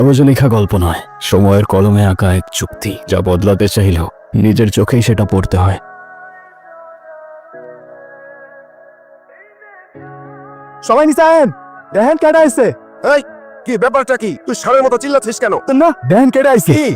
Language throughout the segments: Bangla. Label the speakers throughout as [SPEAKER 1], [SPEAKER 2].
[SPEAKER 1] কাগজে লেখা গল্প নয়, সময়ের কলমে আঁকা এক চুক্তি, যা বদলাতে চাইলেও নিজের চোখেই সেটা পড়তে হয়।
[SPEAKER 2] সবাই নিচেন, দেখেন কেডা আইছে।
[SPEAKER 3] এই কি ব্যাপারটা কি? তুই ষাঁড়ের মতো চিল্লাচ্ছিস কেন?
[SPEAKER 2] না দেখেন কেডা আইছে।
[SPEAKER 3] কি?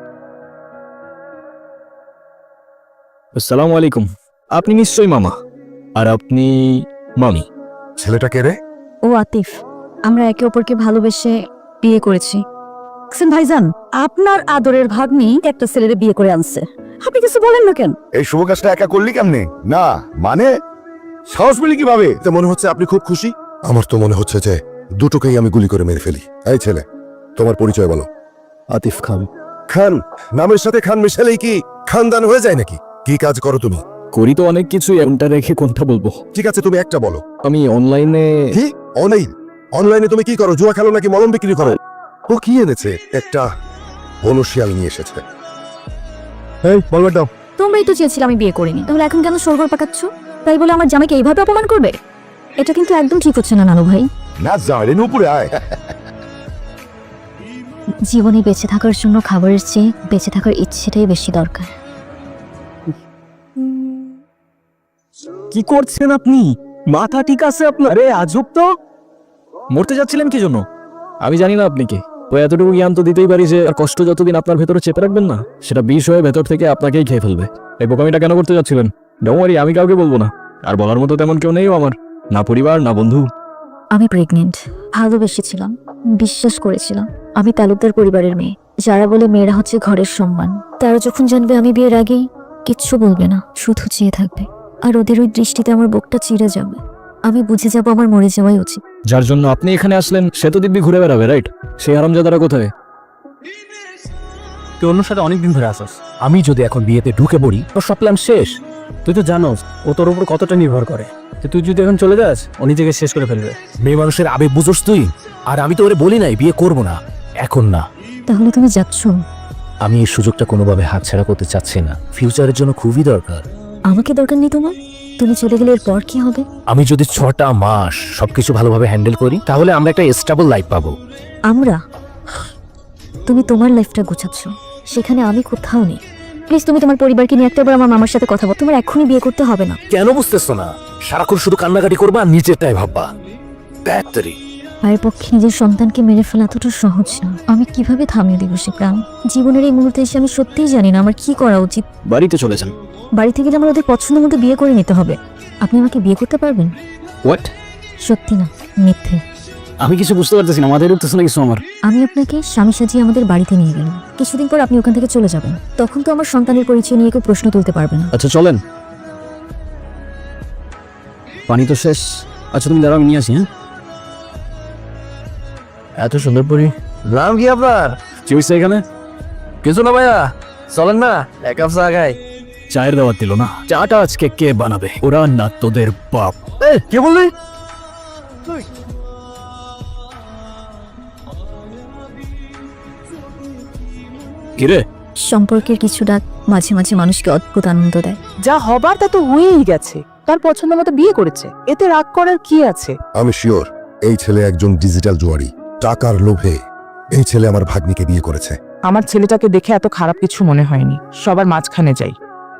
[SPEAKER 1] আসসালামু আলাইকুম। আপনি নিশ্চয়ই মামা, আর আপনি মামি।
[SPEAKER 3] ছেলেটা কে রে?
[SPEAKER 4] ও আতিফ, আমরা একে অপরকে ভালোবেসে বিয়ে করেছি। ভাইজান, আপনার আদরের ভাগ্নি একটা ছেলেরে বিয়ে করে আনছে, আপনি কিছু বলেন না কেন?
[SPEAKER 3] এই শুভ কাজটা একা করলি কেমনে? না মানে সাহস পেলি কিভাবে? তো মনে হচ্ছে আপনি খুব খুশি। আমার তো মনে হচ্ছে যে দুটোকেই আমি গুলি করে মেরে ফেলি। এই ছেলে, তোমার পরিচয় বলো।
[SPEAKER 1] আতিফ খান।
[SPEAKER 3] খান নামের সাথে খান মিশালেই কি খানদান হয়ে যায় নাকি? কি কাজ করো তুমি?
[SPEAKER 1] করি তো অনেক কিছুই, এমনটা রেখে কোনটা বলবো?
[SPEAKER 3] ঠিক আছে, তুমি একটা বলো।
[SPEAKER 1] আমি অনলাইনে।
[SPEAKER 3] কি অনলাইন? অনলাইনে তুমি কি করো? জুয়া খেলো নাকি মলম বিক্রি করো? ও কি এনেছে? একটা বনশিয়াল নিয়ে এসেছে।
[SPEAKER 2] এই বলবার দাও।
[SPEAKER 4] তোমরাই তো চেয়েছিলে আমি বিয়ে করিনি, তাহলে এখন কেন সরগর পাকাচ্ছ? তাই বলে আমার জামাইকে এইভাবে অপমান করবে? এটা কিন্তু একদম ঠিক হচ্ছে না নানু ভাই।
[SPEAKER 3] না জানেন উপরে আয়।
[SPEAKER 4] জীবনে বেঁচে থাকার জন্য খাবারের চেয়ে বেঁচে থাকার ইচ্ছেটাই বেশি দরকার।
[SPEAKER 2] কি করছেন আপনি? মাথা ঠিক আছে আপনার? আরে আজব তো।
[SPEAKER 1] মরতে যাচ্ছিলেন কি জন্য? আমি জানি না আপনি কে। তো এতটুকু জ্ঞান তো দিতেই পারি যে আর কষ্ট যতদিন আপনার ভেতরে চেপে রাখবেন না, সেটা বিষ হয়ে ভেতর থেকে আপনাকেই খেয়ে ফেলবে। এই বোকামিটা কেন করতে যাচ্ছিলেন? ডোমারি, আমি কাউকে বলবো না, আর বলার মতো তেমন কেউ নেই আমার, না পরিবার না বন্ধু।
[SPEAKER 4] আমি প্রেগনেন্ট, ভালোবেসেছিলাম, বিশ্বাস করেছিলাম আমি তালুকদার পরিবারের মেয়ে, যারা বলে মেয়েরা হচ্ছে ঘরের সম্মান। তারা যখন জানবে আমি বিয়ের আগেই, কিচ্ছু বলবে না, শুধু চেয়ে থাকবে। আর ওদের ওই দৃষ্টিতে আমার বুকটা চিড়ে যাবে। আমি বুঝে যাব আমার মরে যাওয়াই উচিত।
[SPEAKER 1] যার জন্য আপনি এখানে আসলেন সে তো দিব্যি ঘুরে বেড়াবে, রাইট? সেই হারামজাদারা কোথায়?
[SPEAKER 2] তুই অন্য সাথে অনেকদিন ধরে আসস। আমি যদি এখন বিয়েতে ঢুকে পড়ি তোর সব প্ল্যান শেষ। তুই তো জানোস ও তোর উপর কতটা নির্ভর করে। তুই যদি এখন চলে যাস ও নিজেকে শেষ করে ফেলবে। মেয়ে মানুষের আবেগ বুঝোস তুই? আর আমি তো ওরে বলি নাই বিয়ে করবো না, এখন না।
[SPEAKER 4] তাহলে তুমি যাচ্ছ?
[SPEAKER 2] আমি এই সুযোগটা কোনোভাবে হাতছাড়া করতে চাচ্ছি না, ফিউচারের জন্য খুবই দরকার।
[SPEAKER 4] আমাকে দরকার নেই তোমার, তুমি চলে গেলে এরপর কি হবে?
[SPEAKER 2] আমি যদি 6টা মাস সবকিছু ভালোভাবে হ্যান্ডেল করি তাহলে আমরা একটা স্টেবল লাইফ পাবো।
[SPEAKER 4] আমরা? তুমি তোমার লাইফটা গোছাচ্ছ, সেখানে আমি কোথাও নেই। প্লিজ তুমি তোমার পরিবারকে নিয়ে একটাবার আমার মামার সাথে কথা বল। তোমার এখনই বিয়ে করতে হবে না।
[SPEAKER 2] কেন বুঝতেছো না? সারাক্ষণ শুধু কান্নাকাটি করবা আর নিজেরটাই ভাববা। ব্যাটারি
[SPEAKER 4] মায়ের পক্ষে নিজের সন্তানকে মেরে ফেলা এতটা সহজ না। আমি কিভাবে থামিয়ে দিব সে প্রাণ? জীবনের এই মুহূর্তে এসে আমি সত্যিই জানি না আমার কি করা উচিত।
[SPEAKER 1] বাড়িতে চলে যান।
[SPEAKER 4] বাড়িতে গেলে আমার ওদের পছন্দ মতো বিয়ে করে নিতে হবে। আপনি আমাকে বিয়ে করতে পারবেন?
[SPEAKER 1] হোয়াট?
[SPEAKER 4] সত্যি না, মিথ্যে।
[SPEAKER 1] আমি কিছু বুঝতে পারতেছি না, মাথায় ঢুকতেছে না কিছু আমার।
[SPEAKER 4] আমি আপনাকে স্বামী সাজিয়ে আমাদের বাড়িতে নিয়ে গেলাম, কিছুদিন পর আপনি ওখান থেকে চলে যাবেন। তখন তো আমার সন্তানের পরিচয় নিয়ে কেউ প্রশ্ন তুলতে পারবে না।
[SPEAKER 1] আচ্ছা চলেন। পানি তো শেষ। আচ্ছা তুমি দাঁড়াও, আমি নিয়ে আসি। হ্যাঁ,
[SPEAKER 2] এত সুন্দর পরি। নাম কি আপনার?
[SPEAKER 1] কি হয়েছে এখানে?
[SPEAKER 2] কিছু না ভাইয়া, চলেন না এক কাপ চা খাই।
[SPEAKER 1] চায়ের দাওয়াত দিল না? চাটা আজকে কে বানাবে? ওরা না তোদের বাপ?
[SPEAKER 2] কে বললি?
[SPEAKER 1] কিরে?
[SPEAKER 4] সম্পর্কের কিছু ডাক মাঝে মাঝে মানুষকে অদ্ভুত আনন্দ দেয়।
[SPEAKER 5] যা হবার তা তো হয়েই গেছে। তার পছন্দ মতো বিয়ে করেছে, এতে রাগ করার কি আছে?
[SPEAKER 3] আমি শিওর এই ছেলে একজন ডিজিটাল জুয়ারি। টাকার লোভে এই ছেলে আমার ভাগ্নিকে বিয়ে করেছে।
[SPEAKER 5] আমার ছেলেটাকে দেখে এত খারাপ কিছু মনে হয়নি। সবার মাঝখানে যাই।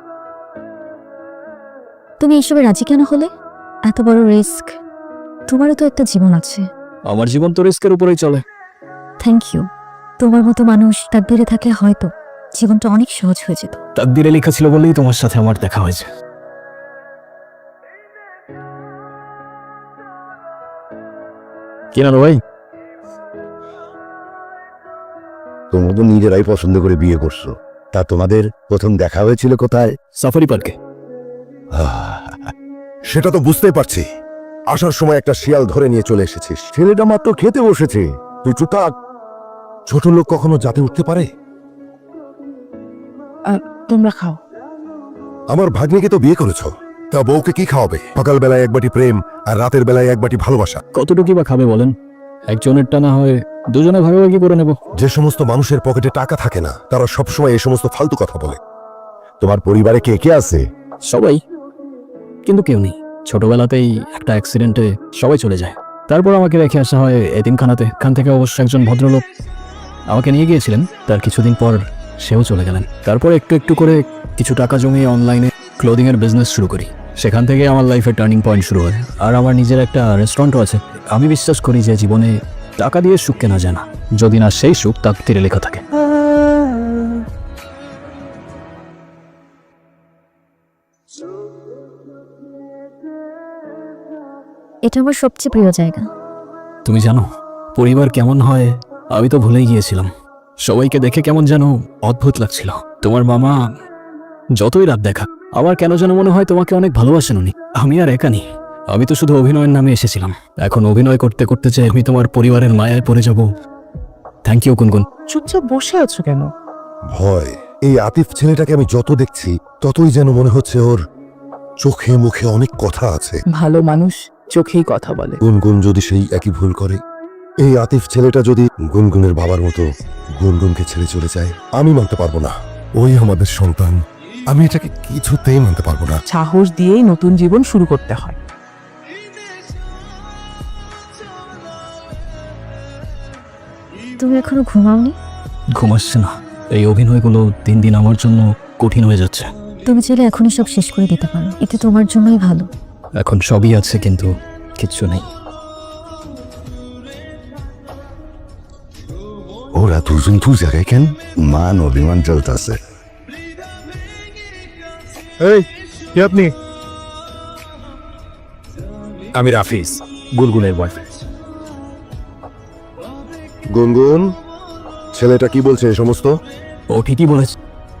[SPEAKER 4] তুমি এইসবে রাজি কেন হলে? এত বড় রিস্ক। তোমারও তো একটা জীবন আছে।
[SPEAKER 1] আমার জীবন তো রিস্কের উপরেই চলে।
[SPEAKER 4] Thank you. তোমার মতো মানুষ তাকদীরে থাকলে হয়তো জীবনটা অনেক সহজ হয়ে যেত।
[SPEAKER 1] তাকদীরে লেখা ছিল বলেই তোমার সাথে আমার দেখা হয়েছে। কিনা ভাই?
[SPEAKER 3] তোমরা তো নিজেরাই পছন্দ করে বিয়ে করছো। তা তোমাদের প্রথম দেখা হয়েছিল কোথায়?
[SPEAKER 1] সাফারি পার্কে।
[SPEAKER 3] সেটা তো বুঝতেই পারছি। আসার সময় একটা শিয়াল ধরে নিয়ে চলে এসেছিস। ছেলেটা মাত্র খেতে বসেছে, তুই চুপ থাক। ছোট লোক কখনো জাতে উঠতে পারে?
[SPEAKER 5] তোমরা খাও।
[SPEAKER 3] আমার ভাগ্নিকে তো বিয়ে করেছো, তা বউকে কি খাওয়াবে? সকাল বেলায় এক বাটি প্রেম আর রাতের বেলায় এক বাটি ভালোবাসা।
[SPEAKER 1] কতটুকু বা খাবে বলেন? একজনেরটা না হয় দুজনে ভাগাভাগি করে নেব।
[SPEAKER 3] যে সমস্ত মানুষের পকেটে টাকা থাকে না তারা সবসময় এই সমস্ত ফালতু কথা বলে। তোমার পরিবারে কে কে আছে?
[SPEAKER 1] সবাই, কিন্তু কেউ নেই। ছোটবেলাতেই একটা অ্যাক্সিডেন্টে সবাই চলে যায়। তারপর আমাকে রেখে আসা হয় এতিমখানাতে। খান থেকে অবশ্য একজন ভদ্রলোক আমাকে নিয়ে গিয়েছিলেন, তার কিছুদিন পর সেও চলে গেলেন। তারপর একটু একটু করে কিছু টাকা জমিয়ে অনলাইনে ক্লোদিংয়ের বিজনেস শুরু করি। সেখান থেকে আমার লাইফের টার্নিং পয়েন্ট শুরু হয়। আর আমার নিজের একটা রেস্টুরেন্টও আছে। আমি বিশ্বাস করি যে জীবনে টাকা দিয়ে সুখ কেনা যায় না, যদি না সেই সুখ তাকদীরে লেখা থাকে।
[SPEAKER 4] এটা আমার সবচেয়ে প্রিয় জায়গা।
[SPEAKER 1] তুমি জানো পরিবার কেমন হয় আমি তো ভুলেই গিয়েছিলাম। সবাইকে দেখে কেমন যেন অদ্ভুত লাগছিল। তোমার মামা যতই রাত দেখা, আমার কেন যেন মনে হয় তোমাকে অনেক ভালোবাসেন উনি। আমি আর একা নেই, আমি তো শুধু অভিনয়ের নামে এসেছিলাম। এখন অভিনয় করতে করতে চাই আমি তোমার পরিবারের মায়ায় পড়ে যাব। থ্যাংক ইউ গুনগুন।
[SPEAKER 5] চুপচাপ বসে আছো কেন?
[SPEAKER 3] ভয়। এই আতিফ ছেলেটাকে আমি যত দেখছি ততই যেন মনে হচ্ছে ওর চোখে মুখে অনেক কথা আছে।
[SPEAKER 5] ভালো মানুষ চোখেই কথা বলে।
[SPEAKER 3] গুনগুন যদি সেই একই ভুল করে, এই আতিফ ছেলেটা যদি গুনগুনের বাবার মতো গুনগুনকে ছেড়ে চলে যায়, আমি মানতে পারবো না। ওই আমাদের সন্তান, আমি এটাকে কিছুতেই মানতে পারবো না।
[SPEAKER 5] সাহস দিয়েই নতুন জীবন শুরু করতে হয়।
[SPEAKER 4] তুমি এখনো ঘুমাওনি?
[SPEAKER 1] ঘুমাচ্ছে না। এই অভিনয়গুলো দিন দিন আমার জন্য কঠিন হয়ে যাচ্ছে।
[SPEAKER 4] তুমি চাইলে এখনই সব শেষ করে দিতে পারো, এতে তোমার জন্যই ভালো।
[SPEAKER 1] এখন সবই আছে কিন্তু কিচ্ছু নেই।
[SPEAKER 3] ওরা দুজন দু জায়গায় কেন? মান অভিমান চলতেছে।
[SPEAKER 2] এই কে আপনি? আমি রাফিজ, গুলগুলের বয়ফ্রেন্ড।
[SPEAKER 3] গুনগুন, ছেলেটা কি বলছে এ সমস্ত?
[SPEAKER 1] ও ঠিকই বলেছে,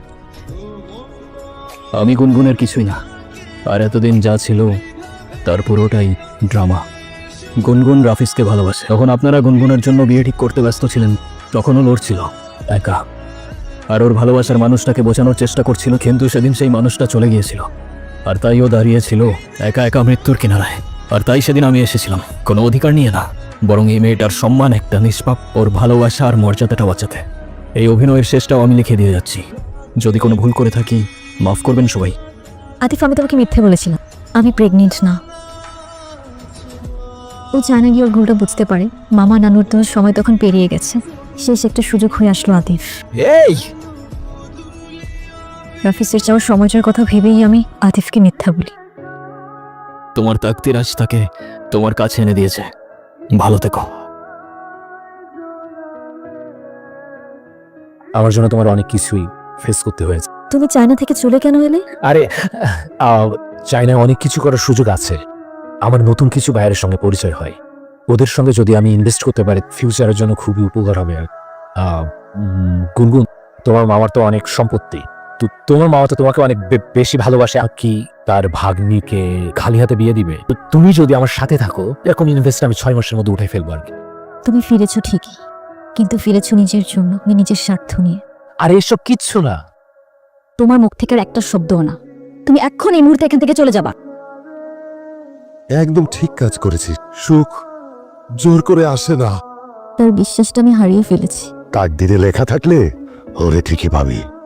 [SPEAKER 1] আমি গুনগুনের কিছুই না। আর এতদিন যা ছিল তার পুরোটাই ড্রামা। গুনগুন রাফিজকে ভালোবাসে। তখন আপনারা গুনগুনের জন্য বিয়ে ঠিক করতে ব্যস্ত ছিলেন, তখনও লড়ছিল একা। আর ওর ভালোবাসার মানুষটাকে বোঝানোর চেষ্টা করছিল, কিন্তু সেদিন সেই মানুষটা চলে গিয়েছিল। আর তাই ও দাঁড়িয়েছিল একা একা মৃত্যুর কিনারায়। আর তাই সেদিন আমি এসেছিলাম কোনো অধিকার নিয়ে না, বরং এই মেয়েটার সম্মান, একটা নিষ্পাপ, ওর ভালোবাসা আর মর্যাদাটা বাঁচাতে। এই অভিনয়ের শেষটাও আমি লিখে দিয়ে যাচ্ছি। যদি কোনো ভুল করে থাকি মাফ করবেন সবাই।
[SPEAKER 4] আতিফ, আমি তোমাকে মিথ্যে বলেছিলাম, আমি প্রেগনেন্ট না। ও চায় না গিয়ে ওর ভুলটা বুঝতে পারে। মামা নানুর তো সময় তখন পেরিয়ে গেছে। শেষ একটা সুযোগ হয়ে আসলো আতিফ।
[SPEAKER 1] এই
[SPEAKER 4] রাফিজের যাওয়ার সময়টার কথা ভেবেই আমি আতিফকে মিথ্যা বলি।
[SPEAKER 1] তোমার তাকদীর আজ তাকে তোমার কাছে এনে দিয়েছে। ভালো থেকো।
[SPEAKER 2] আমার জন্য তোমার অনেক কিছুই ফেস করতে হয়েছে।
[SPEAKER 4] তুমি চায়না থেকে চলে কেন এলে?
[SPEAKER 2] আরে চায়নায় অনেক কিছু করার সুযোগ আছে। আমার নতুন কিছু বাইরের সঙ্গে পরিচয় হয়। ওদের সঙ্গে যদি আমি ইনভেস্ট করতে পারি ফিউচারের জন্য খুবই উপকার হবে। গুনগুন, তোমার মামার তো অনেক সম্পত্তি, তো তোমার মামা তো তোমাকে অনেক বেশি ভালোবাসে। আর কি তার ভাগ্নিকে খালি হাতে বিয়ে দিবে? তো তুমি যদি আমার সাথে থাকো, এরকম ইনভেস্ট আমি 6 মাসের মধ্যে উঠে ফেলবো আর কি।
[SPEAKER 4] তুমি ফিরেছো ঠিকই, কিন্তু ফিরেছো নিজের জন্য, নিজের স্বার্থ নিয়ে।
[SPEAKER 2] আর এসব কিচ্ছু না।
[SPEAKER 4] তোমার মুখ থেকে আর একটা শব্দও না। তুমি এখন এই মুহূর্তে এখান থেকে চলে যাবা।
[SPEAKER 3] একদম ঠিক কাজ করেছিস। সুখ জোর করে আসে না।
[SPEAKER 4] তার বিশ্বাসটা আমি হারিয়ে ফেলেছি।
[SPEAKER 3] তাকদিরে লেখা থাকলে ওরে ঠিকই পাবি।